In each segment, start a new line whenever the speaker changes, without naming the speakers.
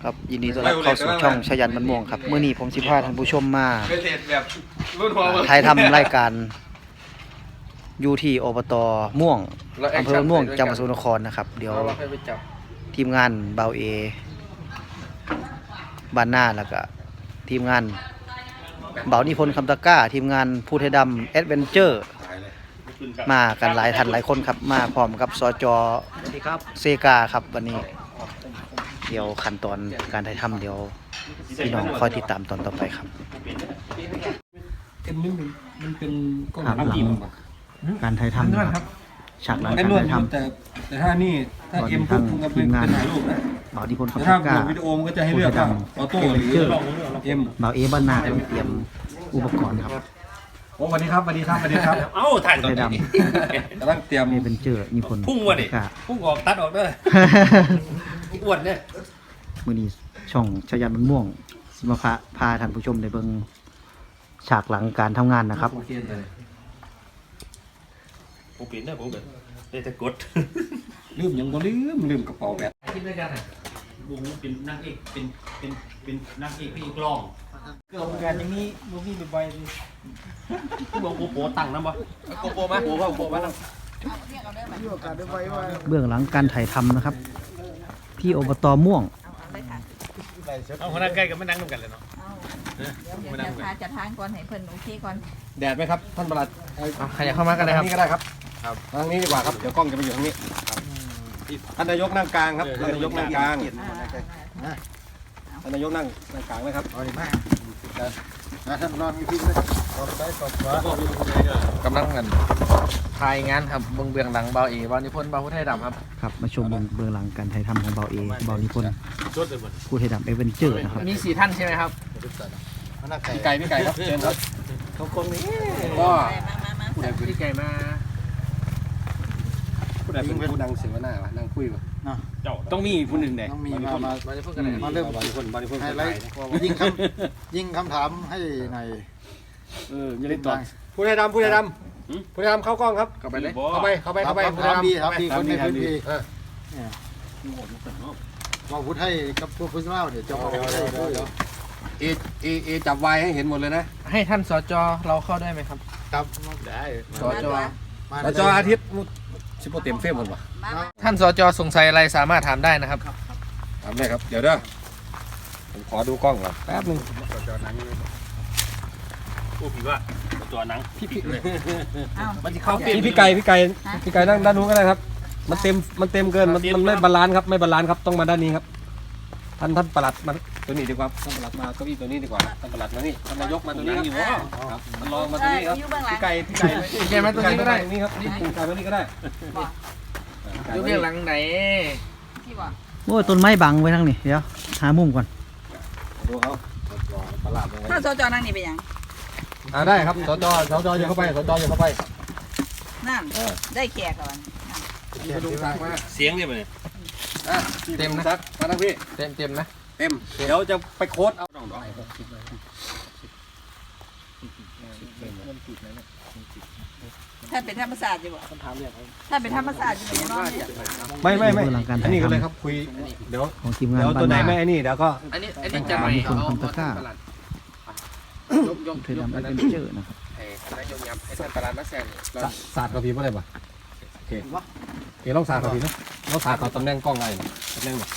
ครับยินดีต้อนรับเข้าสู่ช่องชยันมันม่วงครับเมื่อนี้ผมสิพาท่านผู้ชมมาถ่ายทำรายการอยู่ที่อบตม่วงอำเภอม่วงจังหวัดสกลนครนะครับเดี๋ยวทีมงานเบาเอบ้านหน้าแล้วก็ทีมงานเบานิพนธ์คำตะก้าทีมงานภูไทยดำแอดเวนเจอร์มากันหลายท่านหลายคนครับมาพร้อมกับสจ.เซกาครับวันนี้เดี๋ยวขั้นตอนการถ่ายทำเดี๋ยวพี่น้องคอยติดตามตอนต่อไปครับ
มันเป็นกล้อง
หลังการถ่ายทำนะครับฉากหลังการถ่ายทำ
แต่ถ้านี่ถ้าเอ็มปุ๊บมันเป็นถ่ายรูปนะ
เบานิพนธ์
แต่
คำ
ถ้า
ตะก้า
วิดีโอมันก็จะให้เลือกว่าออโต้หรือเอ็ม
เบาเอบ้านนาต้องเตรียมอุปกรณ์ครับ
โอ้สวัสดีครับสวัสดีครับสวัสดีครับ
เอ้าถ่ายตอน
ไทย
นี้
ดำ
กำลังเตรียม
เอเป็นเจอนิพนธ์
พุ่งวะดิ
คำตะก้า
พุ่งออกตัดออกเด้ออ้วนเนี่ย
มื้อนี้ช่องชยันมันม่วงสิมาพาท่านผู้ชมได้เบิ่งฉากหลังการทำงานนะครับ
ผมเปลี่ยนได้ผมแบบได้แต่กด
ลืมยังบ่ลืมกระเป๋าแบต
คิดด้วยกันบุ้งเป็นนางเอกเป็นนางเอกพี่กลอง
เกิดการอย่างนี้ลูกพี่ไปเลย
บอกโปตั้งนะบ่โกโปมาโปมา
เบื้องหลังการถ่ายทำนะครับ ที่อบตม่วง
เอาคนนั้นใกล้กับไม่นั่งกันเลยเนาะ
เดี๋ยวจะทางก่อนให้เพิ่นโอเคก่อน
แดดไหมครับท่านประหลัด
ใครอยากเข้ามากันเลยครับ
ทางนี้ก็ได้ครับทางนี้ดีกว่าครับเดี๋ยวกล้องจะไปอยู่ทางนี้ท่านนายกนั่งกลางครับท่านนายกนั่งกลางท่านนายกนั่งกลางไหมครับเอาดีมากท่านรองพี่เลย
กำลังกันถ่ายงานครับเบื้องหลังเบาเอบานิพนธ์เบาพุทธไทยดำครับ
ครับมาชมเบื้องหลังการถ่ายทำของเบาเอเบานิพนธ์ผู้ไทยดำเอเวนเจอร์นะครับ
มี4 ท่านใช่ไหมครับ
พี่ไก่ครับเชิญครับ
เขาคงนี้
ก็
มา
พี่ไก่มา
ผู้ใดเป็นผู้ดังเสวนานั่งคุยวะ
ต้องมีผู้หนึ่งเด็ก
ต้องมี
บานิพนธ์กันเลย
มาเริ่ม
บริพนธ์
ไฮไลท์ยิงคำถามให้หน่อย
อย่าเล่นต่อผู้ใดดำเข้ากล้องครับ
เข้าไปเลย
เข้าไปผู้ใด
ถาม
ดำ
ดีครับดีคนในพื้นที่ว่าพุทธให้กับพวกพุทธเล่าเดี๋ยวจะบอกให้
เอจับวายให้เห็นหมดเลยนะ
ให้ท่านสจเราเข้าได้ไหมครับ
ครับ
สจ
แล้วจออาทิตย์ชิปโปเต็มเฟมหมดวะ
ท่านสจสงสัยอะไรสามารถถามได้นะครับ
ทำได้ครับเดี๋ยวเด้อผมขอดูกล้องก่อนแป๊บนึง
ผู้ผีว่าตัวหนัง
มันจะเข้า
พี่ไก่นั่งด้านนู้นก็ได้ครับมันเต็มเกินมันไม่บาลานซ์ครับไม่บาลานซ์ครับต้องมาด้านนี้ครับท่านประหลัดมาตัวนี้ดีกว่าท่านประหลัดมาเก้าอี้ตัวนี้ดีกว่าท่านประหลัดมานี่ท่านนายกมาตัวนี้อยู่ครับมันรองมาตัวนี้ครับ
อยู่เบื้องหลัง
พี่ไก่มาตัวนี้ก็ได้นี่ครับนี่พี่ไก่มานี่ก็ได้
ดูเบื้องหลังไหน
ที่บอก
โอ้ยต้นไม้บังไว้ทั้งนี้เดี๋ยวหามุมก่อน
ดูเขาประหลัด
ถ้าสจนั่งนี่เป็นยัง
ได้ครับสจอย่าเข้าไปสจอย่าเข้าไป
นั่นได้แขกก่อน
ดูทางมา
เสียงเนี่ยมัน
เต็มนะ
ซักมาทั้งพี่
เต็มนะ
เต็มเดี๋ยวจะไปโค้ดเอา
ถ้าเป็นธรรมศาสตร์อยู่บ่ถ้าเป็นธรรมศาสตร์อยู่บ่นอนเนี่ย
ไม่
เบื้องหลังการ
อั
ถ่าน ย
นี้ก็เลย
ทำ
ครับคุยเดี๋ยว
ของทีมงาน
เดี๋ยว
บ้า
ตัวน ไหน
นา
ไม่ไอ้นี่เดี๋ยวก็
อันนี้จะใหม่
มีคนคำตะกร้า
ประหลัดยก
ผู้ไทยดำเอเวนเจอร์นะครับ
ให้นายกยับให้ท่านประหลัดมาแซนเรา
ศาสตร์กับพี่ไม่ได้ป่ะโอเคลองศาสตร์กับพี่นะลองศาสตร์กับตำแหน่งกล้องไงตำแหน่งแบบ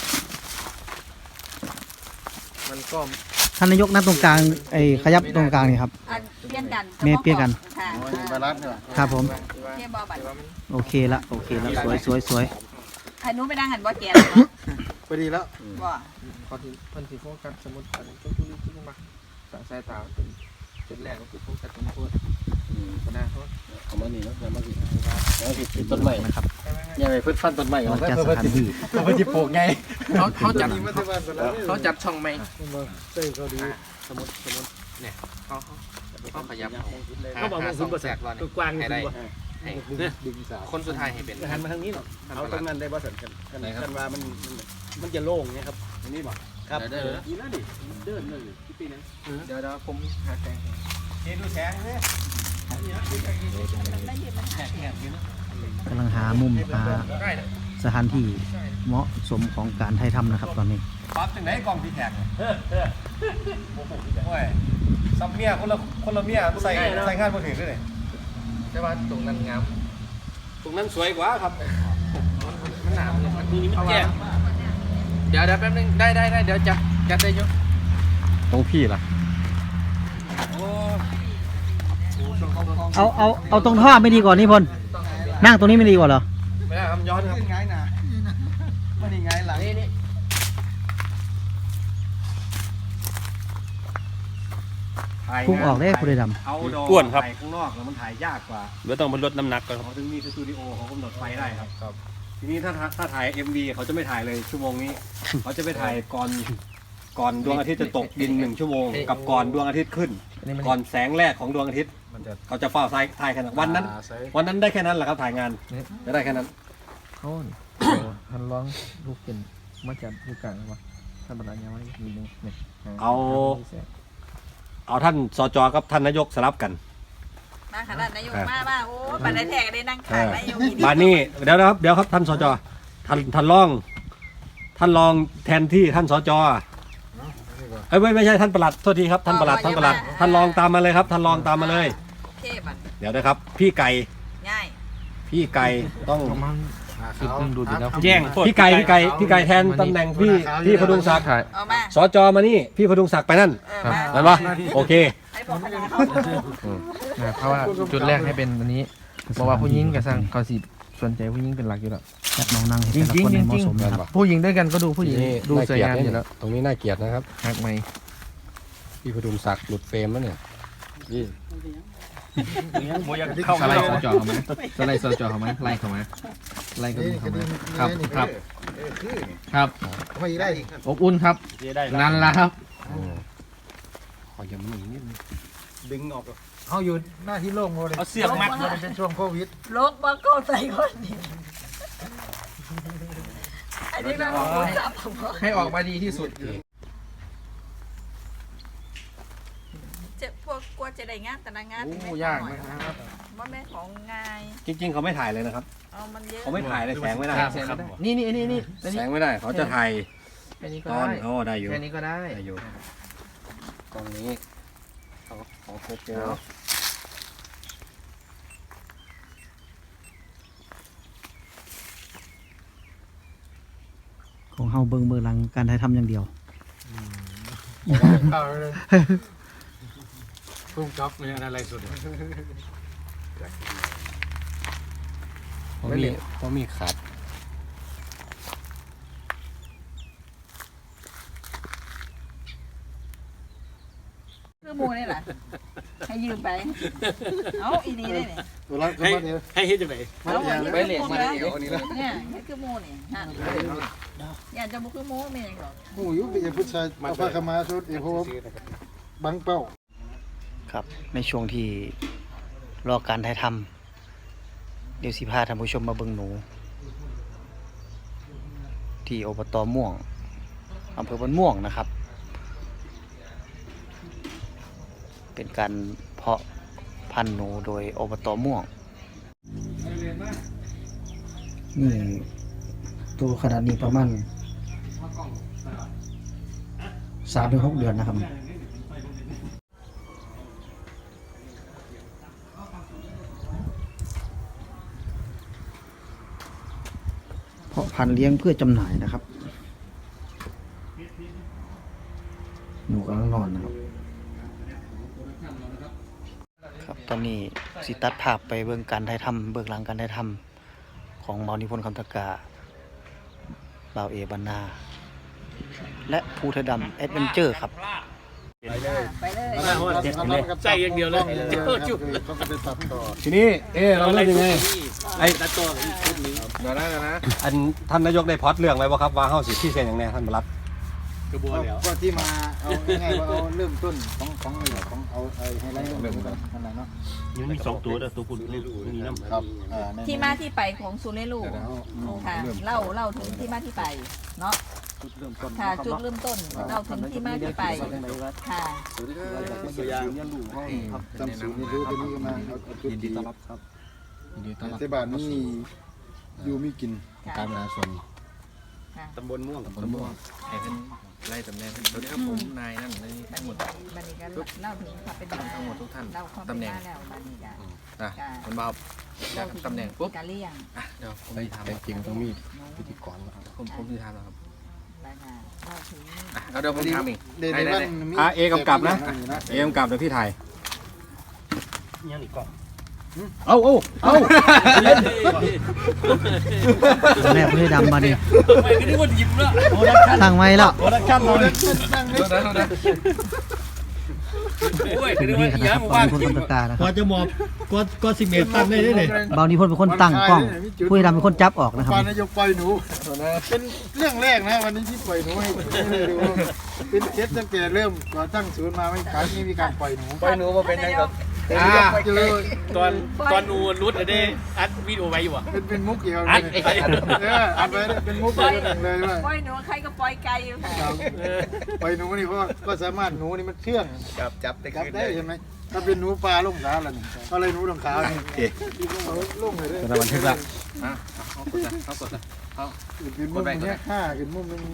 มันก็
ท่านนายกนั่งตรงกลางขยับตรงกลางนี่ครับ
อันเปลี่ยนกัน
แม่เปลี่ยนกัน
ค่ะ
บาลานซ์เนี่ย
ครับผม
เทียบบ่บัด
โอเคละสวย
ให้หนูไปนั่งหันบ่แก่
พอดีแล้ว
บ่
พอที่เพิ่นสิโฟกัสสมมุติอันจุลิที่มาสั่งสายตาเป็นจุดแรกก็คือโฟกัสตรงโทษคณะโทษ
เอามานี่นะเอามาสิเอาสิต้นไม้
นะครับ
ยังไงเพิ่นฟันต้นไม้
เราจัดสถานที่
เพิ่นสิปลูกไง
เขาจัดช่องไหม
เต้ยเขาดี
สมมติเนี่ยเขาขยับ
เขาบอกว่าคุณประแสกกว้าง
ให้ได้
ให้
ดึงสาว
คนสุดท้ายให้เป็น
หันมาทางนี้หรอ
ท่าน
เอา
ประห
ต
ลั
ร
ด
งนั้นได้บ่สันกันว่ามันจะโล่งไงครับอันนี้บ่ครับดีแล้วดิเดินเลยพี่ปีนึง
เดี๋ยวผมหาแสง
เห็นดูแสงเลย
กำลังหามุมหาสถานที่เหมาะสมของการถ่ายทำนะครับตอนนี้
ปั๊บถึงไหนกล่องพี่แขกโอ้ยซับเมียคนละเมียใส่งานมาถึงด้วยเลย
แต่ว่าตรงนั้นงาม
ตรงนั้นสวยกว่าครับ
มันหนาวเลยมันดูนี่มันแจ่มเดี๋ยวแป๊บนึงได้เดี๋ยวจัดได้ยุ่
ตรงพี่ล่ะ
เอาตรงท่อไม่ดีกว่านี่พลนั่งตรงนี้ไม่ดีกว่าเหรอ
ไม่ได้ครับย้อนครับ
ง่ายนะมันนี่ง่ายหลัง
นี่
พุ่งออกได้ผู้ใดด
เอาดอกอ้วนครับถ่ายข้างนอกแล้วมันถ่ายยากกว่า
เดี๋ยวต้องมาลดน้ำหนักก่อนครับ
เขาถึงมีสตูดิโอเขากำหนดไฟได้ครับทีนี้ถ้าถ่าย MV เขาจะไม่ถ่ายเลยชั่วโมงนี้ เขาจะไปถ่ายก่อนดวงอาทิตย์จะตกดิน1 ชั่วโมงกับก่อนดวงอาทิตย์ขึ้น ก่อนแสงแรกของดวงอาทิตย์เขาจะเฝ้าถ่ายแค่นั้นวันนั้นได้แค่นั้นแหละครับถ่ายงานจะได้แค่นั้น
เขาทันร้องลูกเป็นมาจากลูกกลางวะท่านประธานยังไม่มีนึงเนี่ย
เอาท่านสจกับท่านนายกสลับกัน
มาขนาดนายกมาโอ้ปันได้แทกได้นั่งขางนายกอีก
บ้านนี้เดี๋ยวครับท่านสจท่านรองแทนที่ท่านสจไม่ใช่ท่านปลัดโทษทีครับท่านปลัดท่านรองตามมาเลยครับท่านรองตามมาเลย
เคบัน
เดี๋ยวนะครับพี่ไก่
ง่าย
พี่ไก่ต้อง
คือเพิ่งดูดีแล้ว
แย่ง
พี่ไก่แทนตำแหน่งพี่พดุงศักดิ์
เอามา
สจมานี่พี่พดุงศักดิ์ไปนั่น
มา
นั่นปะโอเค
ให้บอกคณะเขา
เพราะว่าจุดแรกให้เป็นอันนี้เพราะว่าผู้หญิงกับสร้างเขาสิสนใจผู้หญิงเป็นหลักอยู่แล้ว
ำจัดน้องนั่งให้แต่ละคนให้เหมาะสมนะครับ
ผู้หญิงด้วยกันก็ดูผู้หญิงดูสวยงามอยู่แล้ว
ตรงนี้น่าเกลียดนะครับ
หักไหม
พี่พดุงศักดิ์หลุดเฟรมแล้วเนี่ยนี่
สไลด์สจอเขาไหมสไลด์สจอเขาไหมไล่เขาไหมไล่ก็ดูเขาไหมครับ
ไม่ได้
อบอุ่นครับนั่นละครับ
ขอยังไม่นิดนึง
ดึงออกเขาอยู่หน้าที่โล่งเลย
เอาเสียบมัด
มันเป็นช่วงโควิด
ลกมาก็ใส่คนนี้อันนี้เราพูดซ้ำ
ให้ออกมาดีที่สุด
จะพวกกลัวจะได้งานแต่ละงาน
โอ้ยากนะครับ
ว่าแม่ของง่าย
จริงๆเขาไม่ถ่ายเลยนะครับ
เอามันเยอะ
เขาไม่ถ่ายเลยแสงไม่ได้
แสงไม่ได้นี่
แสงไม่ได้เขาจะถ่าย
แค่นี้ก็
ตอน
ได้
ได้อยู่
แค่นี้ก็ได้
ได้อยู่ตรงนี้ขอโคโปร
ของเฮาเบิ่งเบื้องหลังการถ่ายทำอย่างเดียว
เข้าเลยพุ่งจ็อบเนี่ยอะไรสุด
เพราะมีขาด
คือมูนี่แหละให้ยืมไปเอาอีนี่ได้เนี่ย
ตัวรักก็มาเดียว
ให้เฮ็ดจังได๋
เอาไว้
ไปเหล็กมาเดี๋ยวนี้แล้ว
เนี่ยนี่คือมูนี่ฮะอยากจะบุคือมูไม่ยังหรอก
โอ้ยเป็นผู้ชายเอาผ้าขมาชุดเอโฮบังเป้า
ครับในช่วงที่รอการถ่ายทำเดี๋ยวสิพาท่านผู้ชมมาเบิ่งหนู ที่อบต.ม่วงอำเภอบ้านม่วงนะครับ เป็นการเพาะพันธุ์หนูโดยอบต.ม่วงนี่ตัวขนาดนี้ประมาณ3-6 เดือนนะครับเพาะพันธุ์เลี้ยงเพื่อจำหน่ายนะครับหนูกำลังนอนนะครับครับตอนนี้สิตัดภาพไปเบื้องการถ่ายทำเบื้องหลังการถ่ายทำของเบานิพนธ์คำตะกาบ่าวเอบรรณาและภูไทยดำแอดเวนเจอร์ครับ
ไปเลย
ใจอย่างเดียวเลยจุ๊บ
เขาก็ไปตัดต่อ
ทีนี้เราเล่นยังไง
ไอ้ตัดตัวอีกชุดนึง
เดี๋ยวนะ
อันท่านนายกได้พอดเรื่องไว้บ่ครับว่าเฮาสิที่เซ็นอย่างแน่ท่านบรัฐ
กระบวนแล้ว
ก็ที่มาเอาง่ายๆว่าเอาเริ่มต้นของเอาไอ้ไฮไลท์เริ่มต้นนั่นแหละเนาะ
ยังมี2ตัวเด้อตัวคุณมีน้ำ
ครับ
ที่มาที่ไปของซูเรลูค่ะเล่าถึงที่มาที่ไปเนาะค่ะจุดเริ่มต้นเล่าถึงที่มาที่ไปค่ะ
ตัวอย่าง
จำศูนย์นี่รู้ตัวนี้ก็มาเอาจุด
ยินดีต้อนรับครับยินดีต้อนรับ
เทบานนี่อยู่มีกิน
การบริหารส่วน
ตำบลม่วง
ตำบลม่วง
ให้เพิ่นไล่ตำแหน่งสวัสดีครับผมนายนั่นนี่ทั้งหมด
บันนี้ก็เล่าถึงความเป็นมา
ทั้งหมดทุกท่าน
เล่าความเป็
ตำ
น
แหน่ง
มาแล้วบันนี้ก็
อ่ะคนบ่าวอยากตำแหน่งปุ๊บ
การเลี้ยง
อ่ะเดี๋ยวผม
แต่
จะถาม
จริงต้องมีพิธีกรนะครับ
ผมจะถามแล้วครับ
แล้วก็เล่าถึง
อ่ะเอาเดี๋ยวผมถามเอง
เดี๋ยว
ได้
เดี๋ยว
ได้
มันมี
เอกำกับนะเอกำกับเดี๋ยวพี่ถ่าย
ยังอีกกล่อง
เอา
แม่ผู้ให้ดำมาดิ
ไม่ก็นึกว่าหยิบแล้ว
ตั้งไว้แล้ว
โปรดักชั่นเราเนี่ย
โอ้ย
เป็นที่คณะครับเบานิพนธ์คำตะกร้านะค
ก
รับ
ว่าจะหมอบก็สิเมตตั้งได้เลย
เบานิพนธ์เป็นคนตั้งกล้องผู้ให้ดำเป็นคนจับออกนะครับ
ปนายกปล่อยหนูเป็นเรื่องแรกนะวันนี้ที่ปล่อยหนูให้ดูเป็นเคสตั้งแต่เริ่มก่อตั้งศูนย์มาไม่ครั้งนี้มีการปล่อยหนู
ไปหนูมาเป็นยังไง
เจอ
ตอนนูรุดได้อัดวิดีโอไว้อยู่อ่ะ
เป็นมุกเดียวเล
อั
ย
ดไอ้ไอ้
อัดไว้เป็นมุกเดียวเลยว่า
ปล่อยหนูใครก็ปล่อยไก่อยู่ค่ะ
ปล่อยหนูนี่เพราะก็สามารถหนูนี่มันเชื่อง
จับได้
จับ
ขึ้น
ได้ใช่ไหมถ้าเป็นหนูปลาลุ่มขาล่ะนี่อะไรหนูลงขานี่ลุ่มเลย
จะบันทึกละ
อ่ะเขากดนะเขากดนะ
เป็นมุมเนี้ยห้าเป็นมุมนึง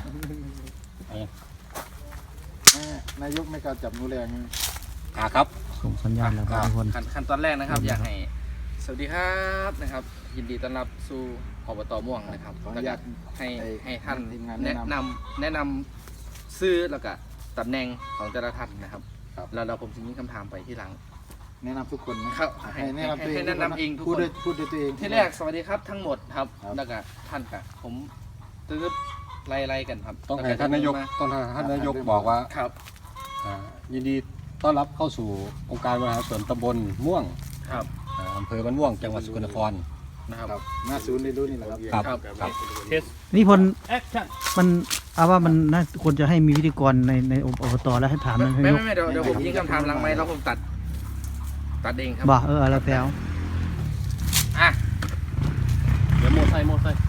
นายกไม่กล้าจับหนูแรง
ครับ
ส่งสัญญาณแล้วครับทุกคน
ขั้นตอนแรกนะครับ อยากให้สวัสดีครับนะครับ ยินดีต้อนรับสู่อบตม่วงนะครับ
ขออ
แล้ว
นุ
ก็
ญาต
ให้ท่าน
ทีมงาน
แนะ
แนะนำ
นำซื้อแล้วก็ตำแหน่งของแต่ละท่านนะครับ
ครับ
แล้วเราผมจะมีคำถามไปที่หลัง
แนะนำทุกคนนะครับ ให้แนะนำตัวเอง
ให้แนะนำเองทุกคน
พูดด้วยตัวเอง
ที่แรกสวัสดีครับทั้งหมดครับ
ครับ
แล้วก็ท่านกับผมตื้อไล่ๆกันครับ
ต้องให้ท่านนายกบอกว่า
ครับ
ยินดีต้อนรับเข้าสู่องค์การบริหารส่วนตำบลม่วง
ครับ
อำเภอบ้านม่วงจังหวัดสกลนคร
นะครับ
ครับหน้าศูนย์เรียนรู้นี่แหละครับ
ครับ
ครับ
นิพนธ์
แอคชั่น
มันเอาว่ามันน่าควรจะให้มีพิธีกรในอบตแล้วให้ถามนาย
ไม่
ก
เดี๋ยวผมยิงคำถามหลังไม้แล้วผมตัดเองครับ
บ่แล้วแต่
อ่ะ
เดี๋ยวโมไซค์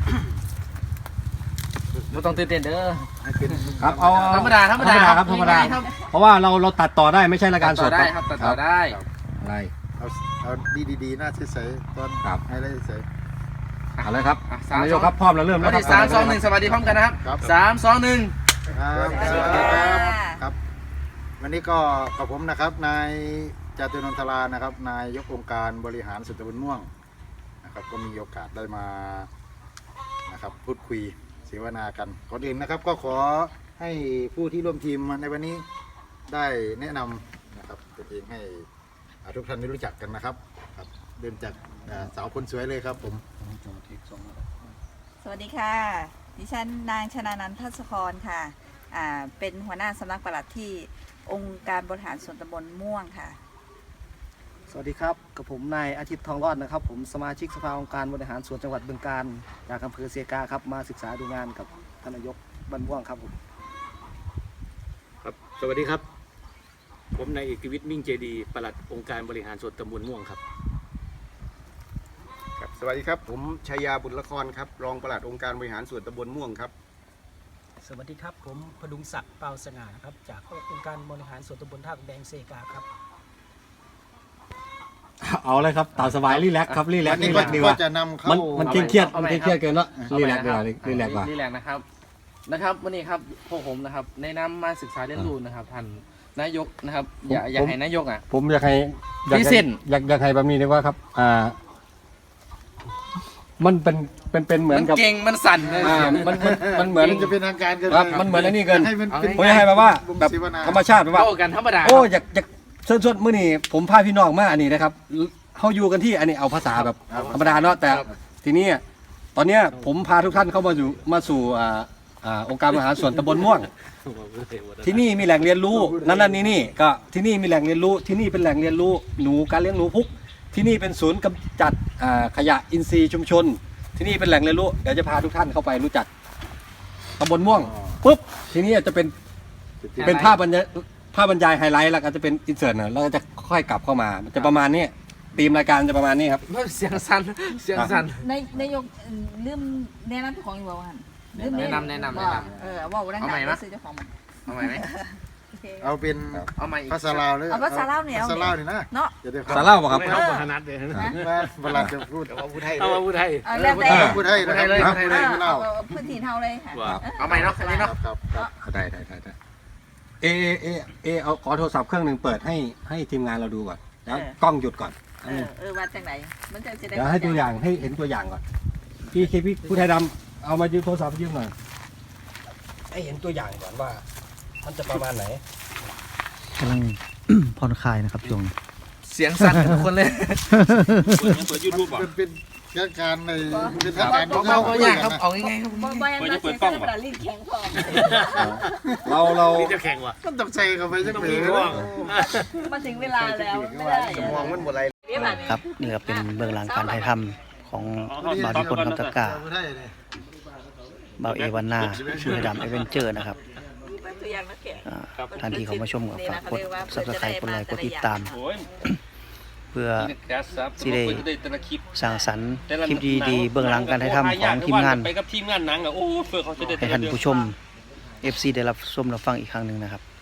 ไม่ต้องตื่นเต้นเด้อ
ให้เป็น
ครับเอา
ธรรมดา
ครับธรรมดา
ครับ
เพราะว่าเราตัดต่อได้ไม่ใช่รายการส
ต่อ
ด
ได้ครับตัดต่อได้
อะไร
เอาดีๆหน้าใสๆตอน
ครับ
ให้ได้ใส
เอาเลยครับ
อ่ะสาม
นายกครับพร้อมแล้วเริ่ม
วั
แล้
น
วครั
ที่3 2 1สวัสดีพร้อมกันนะครับ
ครับ
3 2 1
ครับสวัสดีครับครับ วันนี้ก็กับผมนะครับนายจตุรนนทรานะครับนายกองค์การบริหารส่วนตำบลม่วงนะครับก็มีโอกาสได้มานะครับพูดคุยเสวนากันก่อนอื่นนะครับก็ขอให้ผู้ที่ร่วมทีมในวันนี้ได้แนะนำนะครับตัวเองให้ทุกท่านได้รู้จักกันนะครับครับเริ่มจากสาวคนสวยเลยครับผม
สวัสดีค่ะ ดิฉันนางชนานันท์ทัศกรค่ะเป็นหัวหน้าสำนักปลัดที่องค์การบริหารส่วนตำบลม่วงค่ะ
สวัสดีครับกับผมนายอาทิตย์ทองรอดนะครับผมสมาชิกสภาองค์การบริหารส่วนจังหวัดบึงกาฬจากอำเภอเซกาครับมาศึกษาดูงานกับท่านนายกบ้านม่วงครับผม
ครับสวัสดีครับ ผมนายเอกวิทย์มิ่งเจดีปลัดองค์การบริหารส่วนตำบลม่วงครับ
ครับสวัสดีครับผมชัยยาบุญละครครับรองปลัดองค์การบริหารส่วนตำบลม่วงครับ
สวัสดีครับผมพดุงศักดิ์เปาสง่าครับจากองค์การบริหารส่วนตำบลท่าแดงเซกาครับ
เอาเลยครับตามสบายรีแลกซ์ครับรีแลก
วัน
ซ์
นี้
รีแลกซ์ดีกว่า
ก็จะนำเข้า
มันเครียดมันเครียดเกินแล้วรีแลกซ์ดีกว่ารีแลกซ์กว่า
รีแลกซ์นะครับวันนี้ครับพวกผมนะครับแนะนำมาศึกษาเรียนรู้นะครับท่านนายกนะครับอย่าให้นายกอ่ะ
ผมอยากให้
พิเศษ
อยากให้แบบนี้ดีกว่าครับมันเป็นเหมือนกับ
เก่งมันสั่นเลย
มันเหมือน
มันจะเป็นทางการเกิน
ครับมันเหมือนอันนี้เกิน
ให้มันเป็น
ผมอยากให้แบบว่าแบบ
เสวนา
ธรรมชาติแบบว่า
โต้กันธรรมดา
โอ้อยากส่วนมื้อนี้ผมพาพี่น้องมาอันนี้นะครับเขาอยู่กันที่อันนี้เอาภาษาแบบธรรมดาเนาะแต่ทีนี้ตอนเนี้ยผมพาทุกท่านเข้ามาสู่องค์การบริหารส่วนตำบลม่วง ที่นี่มีแหล่งเรียนรู้นั่นนี่ก็ที่นี่มีแหล่งเรียนรู้ที่นี่เป็นแหล่งเรียนรู้หนูการเลี้ยงหนูพุกที่นี่เป็นศูนย์กำจัดขยะอินทรีย์ชุมชน ที่นี่เป็นแหล่งเรียนรู้เดี๋ยวจะพาทุกท่านเข้าไปรู้จักตำบลม่วงปุ๊บทีนี้จะเป็นภาพบรรยายไฮไลท์แล้วก็จะเป็นอินเสิร์ตนะแล้วก็จะค่อยกลับเข้ามามันจะประมาณนี้ธีมรายการจะประมาณนี้ครับ
เสียงสั่น
นายกลืมแนะนำของอยู่บ้างลืม
แนะนำ
ว่าดังๆ
เอาใหม่
แล้ว
นะ
ซื้อเจ้าของมัน
เอาใหม่ไหม
โอเค
เอาเป็น
เอามาอีก
ภาษาลาวเลย
เอาภาษาลาวเนี่ย
ภาษาลาวนี่นะ
เนาะ
จะได้
สาเล่าป่ะครับ
ไม่เอาพนัดเลย
ว่าเวลาจะพูด
เอาผู้ไทย
เอามาพูดไทย
เอาแล้วแต่
พูดให้นะครับพูดให้เลยไม่เล่า
เอาพื้นที่เท่าเลยค่ะ
ว่า
เอาใหม่เนาะอันนี้
ครั
เนาะ
บครับครับ
ได้เอาขอโทรศัพท์เครื่องหนึ่งเปิดให้ทีมงานเราดูก่อนแล้วกล้องหยุดก่อน
ว่าจังไหนมันจะได้
เดี๋ยวให้ตัวอย่างให้เห็นตัวอย่างก่อนพี่ผู้ไทยดำเอามายืมโทรศัพท์ยืมหน่อยให้เห็นตัวอย่างก่อนว่า มันจะประมาณไหน
กำลัง ผ่อนคลายนะครับช่วงนี้
เสียงสั่นกันทุกคนเลย
เปิดยูทูบอ่ะ
เป็นการในเป็นทางการ
เอาอย่างครับเอาง่ายๆครับ
บ่บ่ยังเปิดกล้องบ่ลิ้นแข็งพร้อม
เรา
นี่จะแข่งว่ะ
ต้องตกใจกันไปจัง
ต้อง
เล
มี
ย
กล้อง
มาถึงเวลาแล้วไม่ได้
มองมันบ่ไร
ครับนี่ก็เป็นเบื้องหลังการถ่ายทำของบ่าวนิพนธ์คำตะกร้า
พูดให้เลย
บ่าวเอวันนาผู้ไทยดำเอเวนเจอร์นะครับ
ตัวอย่างนักแข่ง
ท่านที่เขามาชมก็ฝากกด subscribe กดไลค์กดติดตาม
โอ้ย
เพื่อสิได้สร้างสรรค์คลิปดีๆเบื้องหลังการถ่ายทำของทีมงาน
ไปกับทีมงานหนังอ่ะโอ้เฟื่อเขาจะได้
ให้ท่านผู้ชม FC ได้รับชมรับฟังอีกครั้งหนึ่งนะครับ